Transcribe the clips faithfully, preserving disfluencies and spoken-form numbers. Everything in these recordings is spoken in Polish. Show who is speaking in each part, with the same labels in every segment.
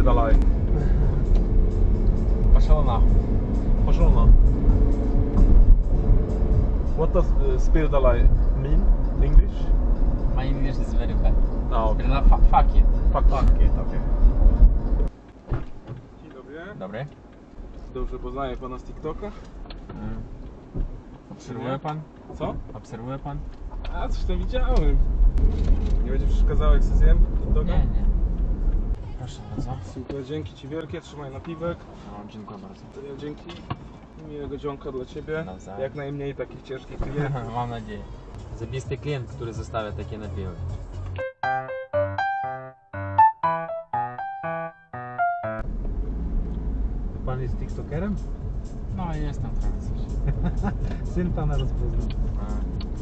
Speaker 1: Spierdalaj.
Speaker 2: Пошел нахуй.
Speaker 1: Пошел на. What does uh, spierdalaj mean in English?
Speaker 2: My English is very bad.
Speaker 1: A, okej.
Speaker 2: Okay. Fuck, fuck it.
Speaker 1: Fuck, fuck it, okej. Dzień dobry.
Speaker 2: Dobry.
Speaker 1: Dobrze poznaję pana z TikToka.
Speaker 2: Mm. Obserwuje pan?
Speaker 1: Co?
Speaker 2: Obserwuje pan?
Speaker 1: A, coś tam widziałem. Nie będzie przeszkadzało jak się zjem TikToka?
Speaker 2: Nie, nie. Proszę bardzo.
Speaker 1: Super, dzięki ci wielkie, trzymaj napiwek.
Speaker 2: No, dziękuję bardzo.
Speaker 1: To ja dzięki. Miłego dzionka dla ciebie.
Speaker 2: Nawzajem.
Speaker 1: Jak najmniej takich ciężkich klientów.
Speaker 2: Mam nadzieję. Zabisty klient, który zostawia takie napiły.
Speaker 3: Pan jest TikTokerem?
Speaker 2: No, jestem trochę coś.
Speaker 3: Syn pana rozpoznał.
Speaker 2: A,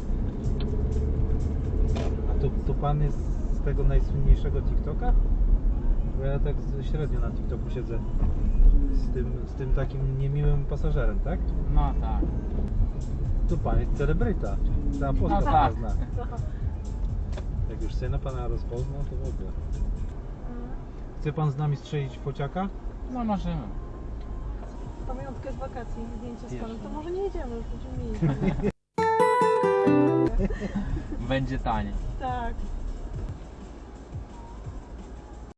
Speaker 3: A to, to pan jest z tego najsłynniejszego TikToka? Bo ja tak średnio na TikToku siedzę. Z tym, z tym takim niemiłym pasażerem, tak?
Speaker 2: No tak.
Speaker 3: To pan jest celebryta. Cała Polska
Speaker 2: No
Speaker 3: pana
Speaker 2: tak.
Speaker 3: zna. Jak już syna pana rozpoznał, to w ogóle. Chce pan z nami strzelić fociaka?
Speaker 2: No możemy.
Speaker 4: Pamiątkę z wakacji, zdjęcie z panem,
Speaker 2: Pierwsze.
Speaker 4: to może nie jedziemy, już będziemy mieli.
Speaker 2: Będzie taniej.
Speaker 4: Tak.